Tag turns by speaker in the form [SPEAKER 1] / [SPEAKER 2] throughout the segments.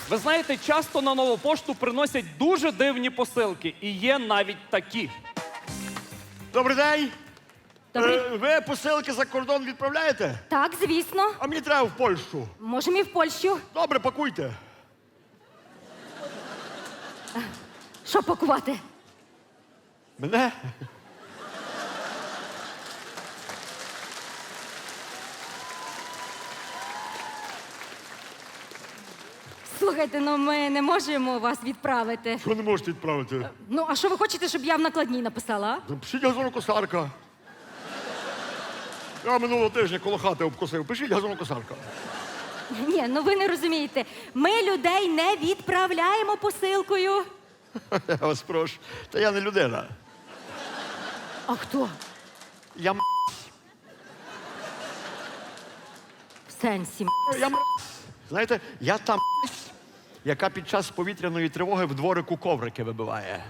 [SPEAKER 1] Ви знаєте, часто на нову пошту приносять дуже дивні посилки. І є навіть такі.
[SPEAKER 2] Добрий день.
[SPEAKER 3] Добрий.
[SPEAKER 2] Ви посилки за кордон відправляєте?
[SPEAKER 3] Так, звісно.
[SPEAKER 2] А мені треба в Польщу.
[SPEAKER 3] Можемо і в Польщу.
[SPEAKER 2] Добре, пакуйте.
[SPEAKER 3] Що пакувати?
[SPEAKER 2] Мене?
[SPEAKER 3] Слухайте, ну ми не можемо вас відправити.
[SPEAKER 2] Що не можете відправити?
[SPEAKER 3] Ну, а що ви хочете, щоб я в накладній написала? А?
[SPEAKER 2] Пишіть газонокосарка. Я минулого тижня коло хати обкосив. Пишіть газонокосарка.
[SPEAKER 3] Ні, ну ви не розумієте. Ми людей не відправляємо посилкою.
[SPEAKER 2] Я вас прошу. Та я не людина.
[SPEAKER 3] А хто?
[SPEAKER 2] Я
[SPEAKER 3] В сенсі.
[SPEAKER 2] Знаєте, я та яка під час повітряної тривоги в дворику коврики вибиває.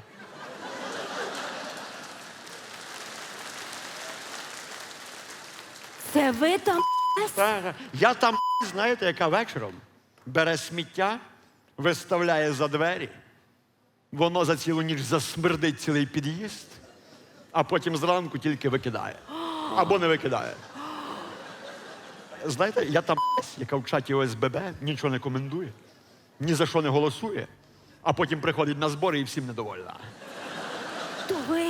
[SPEAKER 3] Це ви там?
[SPEAKER 2] Я там, знаєте, яка вечором бере сміття, виставляє за двері, воно за цілу ніч засмердить цілий під'їзд, а потім зранку тільки викидає. Або не викидає. Знаєте, я там, яка в чаті ОСББ нічого не коментує, ні за що не голосує, а потім приходить на збори і всім недовольна.
[SPEAKER 3] То ви.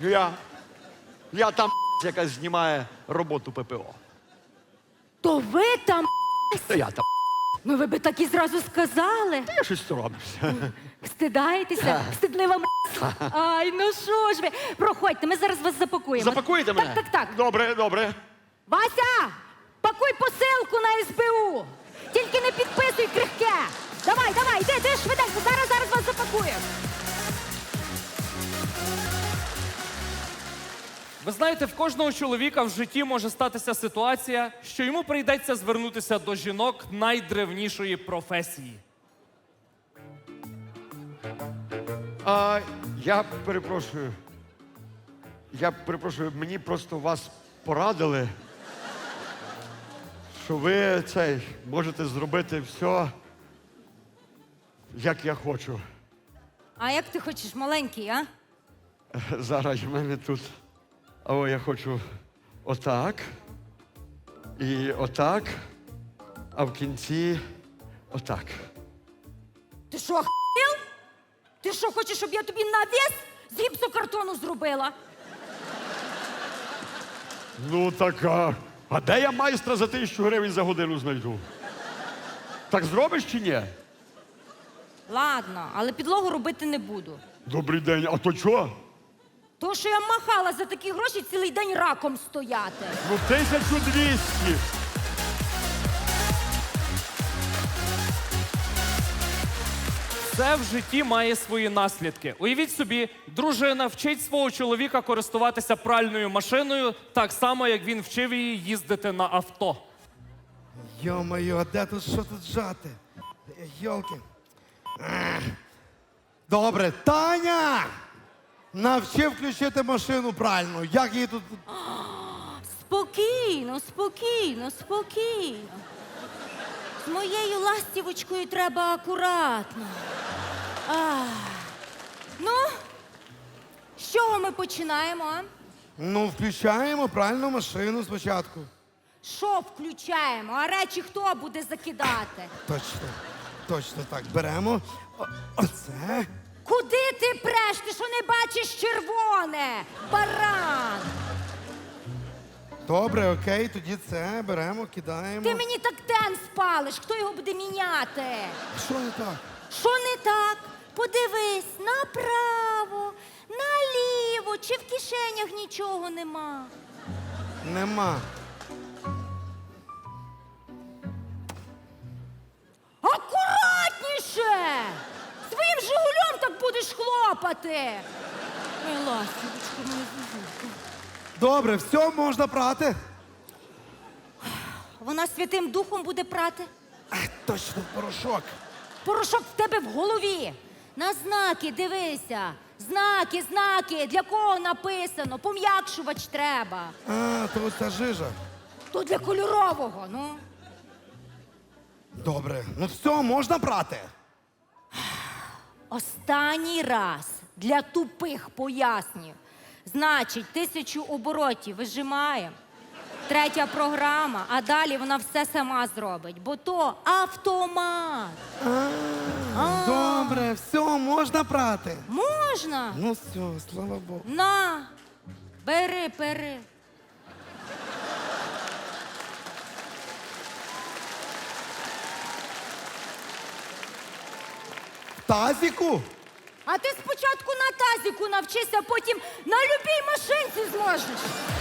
[SPEAKER 2] Я там, яка знімає роботу ППО.
[SPEAKER 3] То ви там?
[SPEAKER 2] Та я там.
[SPEAKER 3] Ну ви би так і зразу сказали.
[SPEAKER 2] Я щось соромлюся.
[SPEAKER 3] Стидаєтеся? Стидлива Ай, ну що ж ви? Проходьте, ми зараз вас запакуємо.
[SPEAKER 2] Запакуєте мене?
[SPEAKER 3] Так.
[SPEAKER 2] Добре, добре.
[SPEAKER 3] Вася, пакуй посилку на СБУ. Тільки не підписуй крихке. Давай, йди швиденько, зараз вас запакуємо.
[SPEAKER 1] Ви знаєте, в кожного чоловіка в житті може статися ситуація, що йому прийдеться звернутися до жінок найдревнішої професії.
[SPEAKER 2] Я перепрошую, мені просто вас порадили, що ви можете зробити все, як я хочу.
[SPEAKER 3] А як ти хочеш, маленький, а?
[SPEAKER 2] Зараз в мене тут. Я хочу отак. І отак. А в кінці отак.
[SPEAKER 3] Ти що, охуєл? Ти що, хочеш, щоб я тобі навіс з гіпсокартону зробила?
[SPEAKER 2] Ну така. А де я майстра за 1000 гривень за годину знайду? Так зробиш чи ні?
[SPEAKER 3] Ладно, але підлогу робити не буду.
[SPEAKER 2] Добрий день, а то чого?
[SPEAKER 3] То, що я махала за такі гроші цілий день раком стояти.
[SPEAKER 2] Ну, 1200.
[SPEAKER 1] Все в житті має свої наслідки. Уявіть собі, дружина вчить свого чоловіка користуватися пральною машиною так само, як він вчив її їздити на авто.
[SPEAKER 4] Йо-моє, а де тут що тут жати? Йолки. Добре, Таня! Навчи включити машину правильно. Як її тут.
[SPEAKER 3] Спокійно. З моєю ластівочкою треба акуратно. Ну, з чого ми починаємо, а?
[SPEAKER 4] Ну, включаємо правильну машину спочатку.
[SPEAKER 3] Що включаємо? А речі хто буде закидати?
[SPEAKER 4] Точно так. Беремо. Оце.
[SPEAKER 3] Куди ти преш? Ти що не бачиш червоне? Баран!
[SPEAKER 4] Добре, окей, тоді це беремо, кидаємо.
[SPEAKER 3] Ти мені так тен спалиш, хто його буде міняти?
[SPEAKER 4] Що не так?
[SPEAKER 3] Що не так? Подивись направо, наліво, чи в кишенях нічого нема.
[SPEAKER 4] Нема.
[SPEAKER 3] Акуратніше! Своїм жигулем так будеш хлопати. Ой, ластівочка, моя зузулька.
[SPEAKER 4] Добре, все, можна прати.
[SPEAKER 3] Вона Святим Духом буде прати.
[SPEAKER 4] Точно, порошок.
[SPEAKER 3] Порошок в тебе в голові. На знаки дивися. Знаки. Для кого написано? Пом'якшувач треба.
[SPEAKER 4] То ось ця жижа.
[SPEAKER 3] То для кольорового, ну.
[SPEAKER 4] Добре, ну все, можна прати.
[SPEAKER 3] Останній раз для тупих пояснюю. Значить, 1000 оборотів вижимаємо. 3 програма, а далі вона все сама зробить, бо то автомат.
[SPEAKER 4] Добре, все, можна прати.
[SPEAKER 3] Можна?
[SPEAKER 4] Ну все, слава Богу.
[SPEAKER 3] На, бери.
[SPEAKER 4] В тазіку?
[SPEAKER 3] А ти спочатку на тазіку навчися, потім на любій машинці зможеш.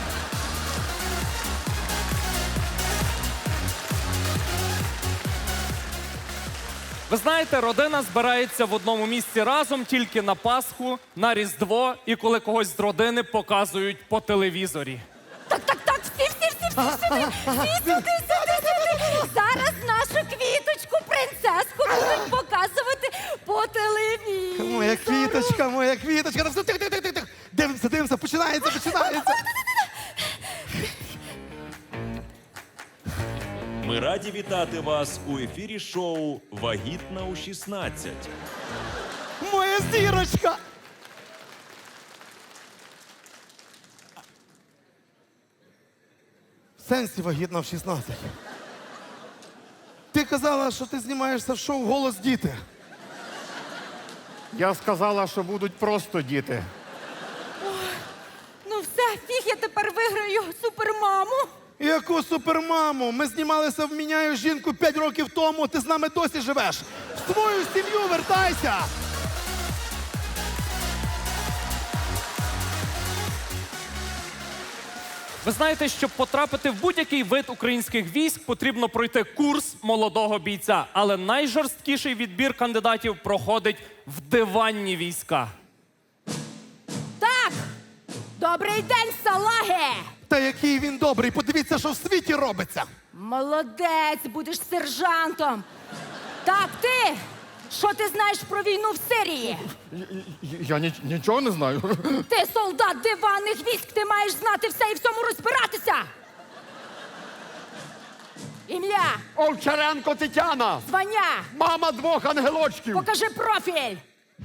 [SPEAKER 1] Ви знаєте, родина збирається в одному місці разом тільки на Пасху, на Різдво і коли когось з родини показують по телевізорі.
[SPEAKER 3] Так, всі сюди. Всі сюди. Зараз нашу квіточку, принцеску будуть показувати по телевізору.
[SPEAKER 4] Моя квіточка. Ну, все, тих. Дивимося, починається.
[SPEAKER 5] Ми раді вітати вас у ефірі шоу «Вагітна у 16».
[SPEAKER 4] Моя зірочка. В сенсі вагітна в 16. Ти казала, що ти знімаєшся в шоу «Голос діти».
[SPEAKER 2] Я сказала, що будуть просто діти.
[SPEAKER 3] Ну все, фіг я тепер виграю супермаму.
[SPEAKER 4] Яку супермаму? Ми знімалися в «Міняю жінку» 5 років тому, ти з нами досі живеш. В свою сім'ю вертайся!
[SPEAKER 1] Ви знаєте, щоб потрапити в будь-який вид українських військ, потрібно пройти курс молодого бійця. Але найжорсткіший відбір кандидатів проходить в диванні війська.
[SPEAKER 3] Так, добрий день, салаги!
[SPEAKER 4] Та який він добрий, подивіться, що в світі робиться.
[SPEAKER 3] Молодець, будеш сержантом. Так, ти, що ти знаєш про війну в Сирії?
[SPEAKER 6] Я нічого не знаю.
[SPEAKER 3] Ти солдат диванних військ, ти маєш знати все і в цьому розбиратися. Ім'я,
[SPEAKER 2] Овчаренко Тетяна!
[SPEAKER 3] звання,
[SPEAKER 2] Мама 2 ангелочків!
[SPEAKER 3] покажи профіль.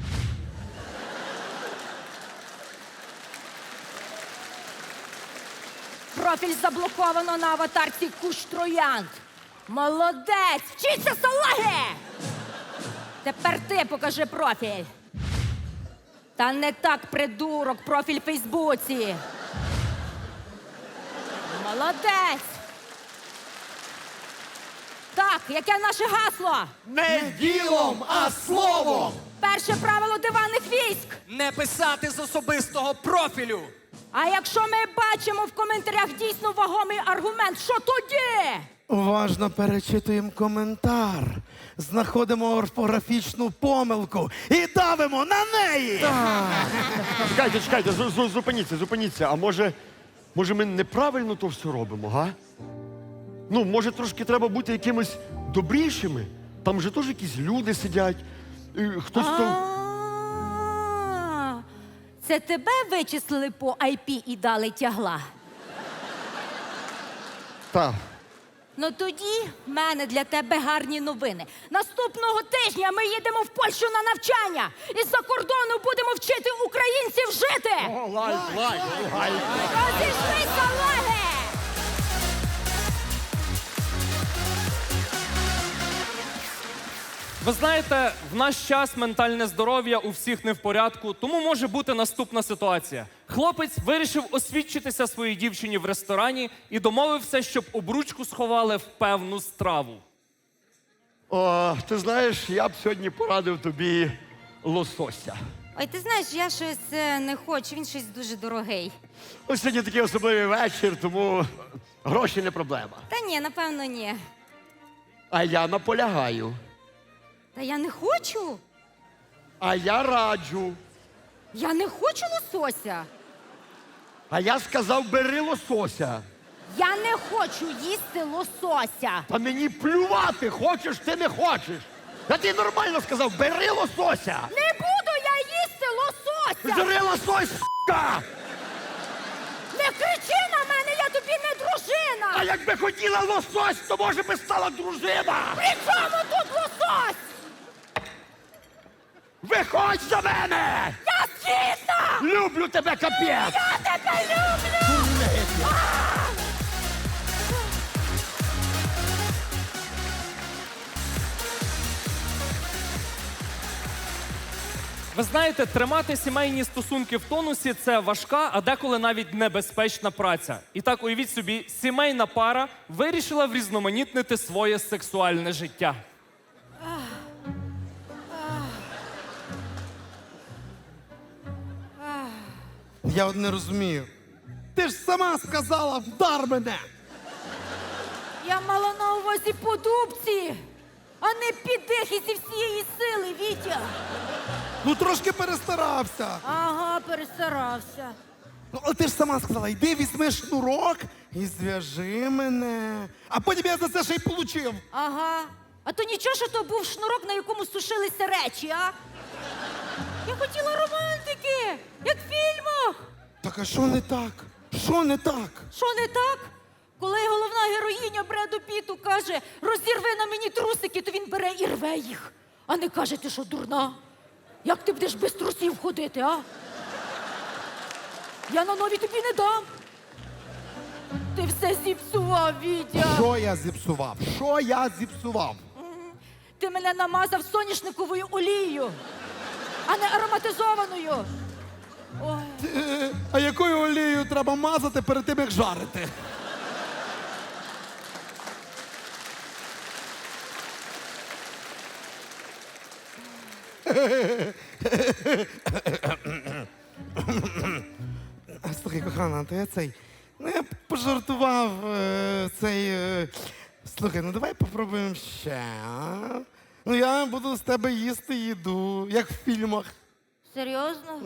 [SPEAKER 3] Профіль заблоковано на аватарці Куш Троянд. Молодець! Вчися, салаги! Тепер ти покажи профіль. Та не так, придурок, профіль в Фейсбуці. Молодець! Так, яке наше гасло?
[SPEAKER 2] Не ділом, а словом!
[SPEAKER 3] Перше правило диванних військ.
[SPEAKER 7] Не писати з особистого профілю.
[SPEAKER 3] А якщо ми бачимо в коментарях дійсно вагомий аргумент, що тоді?
[SPEAKER 4] Уважно перечитуємо коментар, знаходимо орфографічну помилку і давимо на неї!
[SPEAKER 2] Чекайте, зупиніться. А може ми неправильно то все робимо, га? Ну, може, трошки треба бути якимось добрішими? Там же теж якісь люди сидять. Хтось то.
[SPEAKER 3] Це тебе вичислили по IP і дали тягла?
[SPEAKER 2] Так.
[SPEAKER 3] Ну тоді в мене для тебе гарні новини. Наступного тижня ми їдемо в Польщу на навчання. І з-за кордону будемо вчити українців жити. Розійшлися, лаги!
[SPEAKER 1] Ви знаєте, в наш час ментальне здоров'я у всіх не в порядку, тому може бути наступна ситуація. Хлопець вирішив освідчитися своїй дівчині в ресторані і домовився, щоб обручку сховали в певну страву.
[SPEAKER 2] О, ти знаєш, я б сьогодні порадив тобі лосося.
[SPEAKER 3] Ой, ти знаєш, я щось не хочу, він щось дуже дорогий.
[SPEAKER 2] Ось сьогодні такий особливий вечір, тому гроші не проблема.
[SPEAKER 3] Та ні, напевно, ні.
[SPEAKER 2] А я наполягаю.
[SPEAKER 3] Та я не хочу.
[SPEAKER 2] А я раджу.
[SPEAKER 3] Я не хочу лосося.
[SPEAKER 2] А я сказав, бери лосося.
[SPEAKER 3] Я не хочу їсти лосося.
[SPEAKER 2] Та мені плювати, хочеш ти не хочеш. Я тобі нормально сказав, бери лосося.
[SPEAKER 3] Не буду я їсти лосося!
[SPEAKER 2] Бери лосось, с**ка!
[SPEAKER 3] Не кричи на мене, я тобі не
[SPEAKER 2] А
[SPEAKER 3] дружина!
[SPEAKER 2] якби хотіла лосось, то може би стала дружина.
[SPEAKER 3] При чому тут лосось?
[SPEAKER 2] Виходь за мене!
[SPEAKER 3] Я згідна!
[SPEAKER 2] Люблю тебе, капець!
[SPEAKER 3] Я тебе люблю!
[SPEAKER 1] Ви знаєте, тримати сімейні стосунки в тонусі це важка, а деколи навіть небезпечна праця. І так уявіть собі, сімейна пара вирішила врізноманітнити своє сексуальне життя.
[SPEAKER 4] Я от не розумію. Ти ж сама сказала, вдар мене.
[SPEAKER 3] Я мала на увазі по дубці, а не піддих і зі всієї сили, Вітя.
[SPEAKER 4] Ну трошки перестарався.
[SPEAKER 3] Ага, перестарався.
[SPEAKER 4] Ну, але ти ж сама сказала, йди візьми шнурок і зв'яжи мене. А потім я за це ще й получив.
[SPEAKER 3] Ага. А то нічого, що то був шнурок, на якому сушилися речі, а? Я хотіла романтики, як в фільмах.
[SPEAKER 4] Так а що не так? Що не так?
[SPEAKER 3] Що не так? Коли головна героїня Бреду Піту каже, розірви на мені трусики, то він бере і рве їх. А не каже, ти що, дурна? Як ти будеш без трусів ходити, а? Я на нові тобі не дам. Ти все зіпсував, Вітя.
[SPEAKER 4] Що я зіпсував? Що я зіпсував?
[SPEAKER 3] Ти мене намазав соняшниковою олією, а не ароматизованою. Ой.
[SPEAKER 4] А якою олією треба мазати перед тим, як жарити? Слухай, кохана, то я цей. Ну, я пожартував цей. Слухай, ну давай попробуємо ще. А? Ну я буду з тебе їсти їду, як в фільмах.
[SPEAKER 3] Серйозно?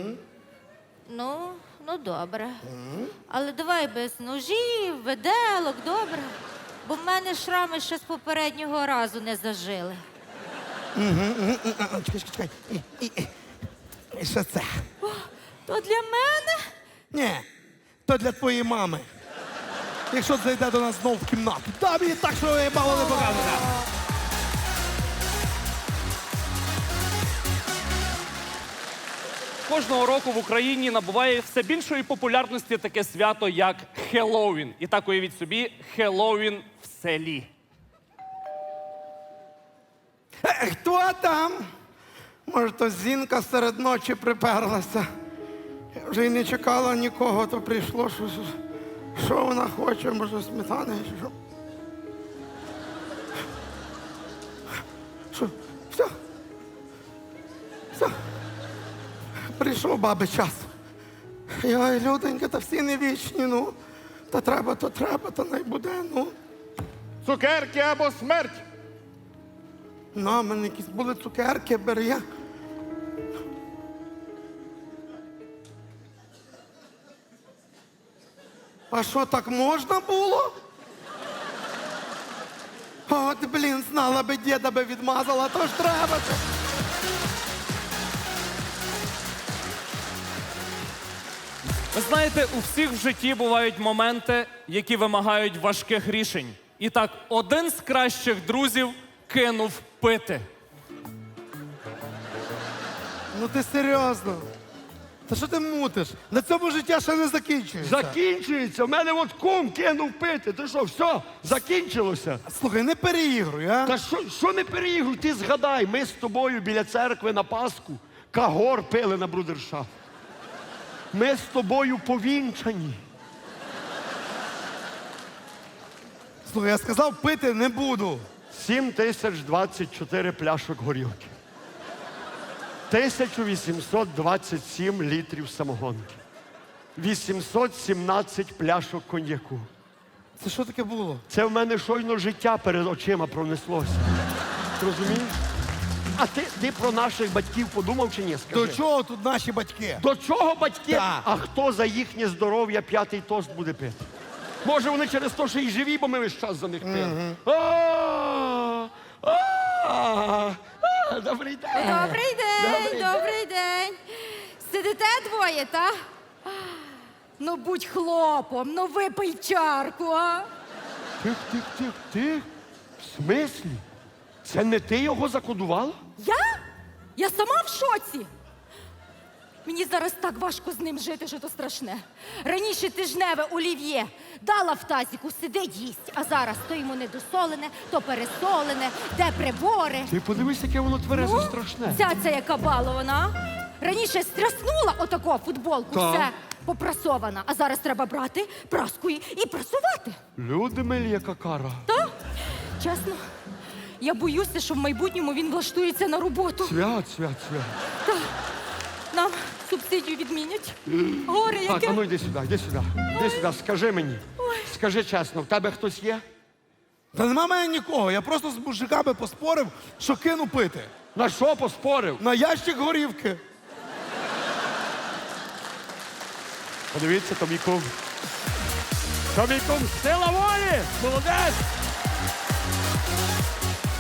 [SPEAKER 3] Ну добре. Але давай без ножів, виделок, добре. Бо в мене шрами ще з попереднього разу не зажили.
[SPEAKER 4] Чекай. І що це?
[SPEAKER 3] То для мене?
[SPEAKER 4] Ні, то для твоєї мами. Якщо зайде до нас знову в кімнату. Та мені так, що я мало не показує.
[SPEAKER 1] Кожного року в Україні набуває все більшої популярності таке свято, як Хеллоуін. І так уявіть собі, Хеллоуін в селі.
[SPEAKER 4] Хто там? Може, то Зінка серед ночі приперлася. Я вже й не чекала нікого, то прийшло. Що вона хоче? Може, сметани? Що? Що? Все? Все? Прийшов баби час. Йой, люденька, та всі не вічні, ну. Та треба, то не буде, ну.
[SPEAKER 2] Цукерки або смерть!
[SPEAKER 4] На, в мене якісь були цукерки, бери я. А що, так можна було? От, блін, знала би, діда би відмазала, то ж треба.
[SPEAKER 1] Ви знаєте, у всіх в житті бувають моменти, які вимагають важких рішень. І так, один з кращих друзів кинув пити.
[SPEAKER 4] Ну ти серйозно? Та що ти мутиш? На цьому життя ще не закінчується.
[SPEAKER 2] Закінчується. У мене от кум кинув пити. Ти що, все, закінчилося?
[SPEAKER 4] Слухай, не переігруй, а?
[SPEAKER 2] Та що не переігруй? Ти згадай, ми з тобою біля церкви на Пасху кагор пили на брудершафт. Ми з тобою повінчані.
[SPEAKER 4] Слухай, я сказав, пити не буду.
[SPEAKER 2] 7024 пляшок горілки. 1827 літрів самогонки. 817 пляшок коньяку.
[SPEAKER 4] Це що таке було?
[SPEAKER 2] Це в мене щойно життя перед очима пронеслося. Ти розумієш? А ти про наших батьків подумав чи ні? Скажи.
[SPEAKER 4] До чого тут наші батьки?
[SPEAKER 2] До чого батьки?
[SPEAKER 4] Так.
[SPEAKER 2] А хто за їхнє здоров'я п'ятий тост буде пити? Може, вони через те, що й живі, бо ми весь час за них пили. Добрий день.
[SPEAKER 3] Добрий день, добрий день. Сидите двоє, та? Ну будь хлопом, ну випий чарку, а?
[SPEAKER 2] Тих. В смислі? Це не ти його закодувала?
[SPEAKER 3] Я? Я сама в шоці. Мені зараз так важко з ним жити, що то страшне. Раніше тижневе олів'є дала в тазіку, сидить їсть, а зараз то йому недосолене, то пересолене, де прибори.
[SPEAKER 2] Ти подивись, яке воно тверезе страшне.
[SPEAKER 3] Ця яка балована. а? Раніше стряснула отако футболку,
[SPEAKER 2] Так.
[SPEAKER 3] все попрасована, а зараз треба брати праскою і прасувати.
[SPEAKER 2] Люди милі, яка кара.
[SPEAKER 3] Та? Чесно, я боюся, що в майбутньому він влаштується на роботу.
[SPEAKER 2] Свят.
[SPEAKER 3] Нам субсидію відмінять. Горе
[SPEAKER 2] Так,
[SPEAKER 3] яке.
[SPEAKER 2] а ну йди сюди, йди сюди. Йди сюди, скажи мені. Скажи чесно, в тебе хтось є?
[SPEAKER 4] Та нема мене нікого. Я просто з мужиками поспорив, що кину пити.
[SPEAKER 2] На що поспорив?
[SPEAKER 4] На ящик горівки.
[SPEAKER 2] Подивіться, то мій кум. То мій кум, сила волі! Молодець!